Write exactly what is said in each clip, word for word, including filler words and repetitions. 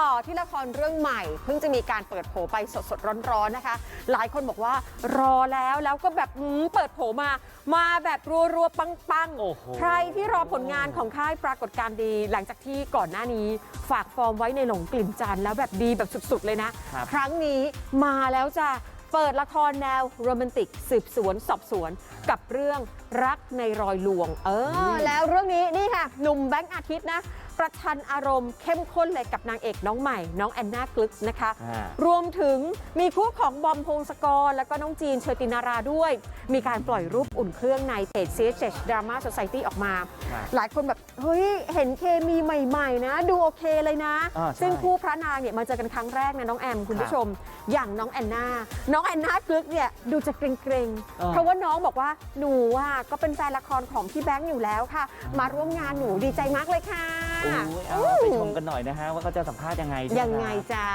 ต่อที่ละครเรื่องใหม่เพิ่งจะมีการเปิดโผไปสดๆร้อนๆนะคะหลายคนบอกว่ารอแล้วแล้วก็แบบเปิดโผมามาแบบรัวๆปังๆใครที่รอผลงานของค่ายปรากฏการณ์ดีหลังจากที่ก่อนหน้านี้ฝากฟอร์มไว้ในหลงกลิ่นจันทร์แล้วแบบดีแบบสุดๆเลยนะครั้งนี้มาแล้วจะเปิดละครแนวโรแมนติกสืบสวนสอบสวนกับเรื่องรักในรอยลวงเออแล้วเรื่องนี้นี่ค่ะหนุ่มแบงค์อาทิตย์นะประชันอารมณ์เข้มข้นเลยกับนางเอกน้องใหม่น้องแอนนากลึกนะคะรวมถึงมีคู่ของบอมพงศกรแล้วก็น้องจีนเชอตินาราด้วยมีการปล่อยรูปอุ่นเครื่องในเพจ ซี เอช เอช Drama Society ออกมาหลายคนแบบเฮ้ยเห็นเคมีใหม่ๆนะดูโอเคเลยนะซึ่งคู่พระนางเนี่ยมาเจอกันครั้งแรกนะน้องแอมคุณผู้ชมอย่างน้องแอนนาน้องแอนนากลึกเนี่ยดูจะเกรงๆเพราะว่าน้องบอกว่าหนูอ่ะก็เป็นแฟนละครของพี่แบงค์อยู่แล้วค่ะมาร่วมงานหนูดีใจมากเลยค่ะเอาไปชมกันหน่อยนะฮะว่าเขาจะสัมภาษณ์ยังไงยังไงจ๊ะ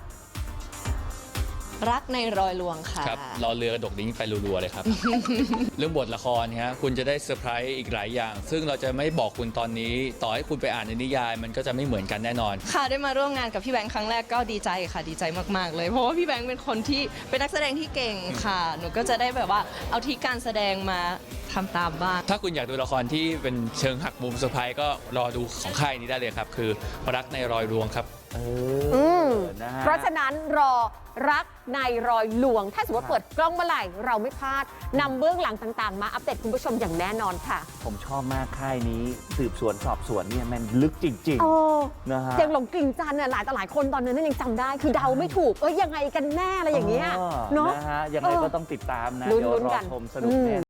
รักในรอยลวงค่ะครับรอเรือกระดกดิ้งไปรัวๆเลยครับ เรื่องบทละครฮะคุณจะได้เซอร์ไพรส์อีกหลายอย่างซึ่งเราจะไม่บอกคุณตอนนี้ต่อให้คุณไปอ่านในนิยายมันก็จะไม่เหมือนกันแน่นอนค่ะได้มาร่วมงานกับพี่แบงค์ครั้งแรกก็ดีใจค่ะดีใจมากๆเลยเพราะว่าพี่แบงค์เป็นคนที่เป็นนักแสดงที่เก่งค่ะหนูก็จะได้แบบว่าเอาที่การแสดงมาทำตามบ้างถ้าคุณอยากดูละครที่เป็นเชิงหักมุมเซอร์ไพรส์ก็รอดูของค่ายนี้ได้เลยครับคือรักในรอยลวงครับเออนะเพราะฉะนั้นรอรักในรอยลวงถ้าสมมติเปิดกล้องเมื่อไหร่เราไม่พลาดนำเบื้องหลังต่างๆมาอัปเดตคุณผู้ชมอย่างแน่นอนค่ะผมชอบมากค่ายนี้สืบสวนสอบสวนเนี่ยมันลึกจริงๆนะฮะอย่างหลงกลิ่นจันทร์เนี่ยหลายต่อหลายคนตอนนั้นยังจำได้คือเดาไม่ถูกเอ้ยยังไงกันแน่อะไรอย่างเงี้ยเนาะนะฮะยังไงก็ต้องติดตามนะเดี๋ยวรอชมสนุกแน่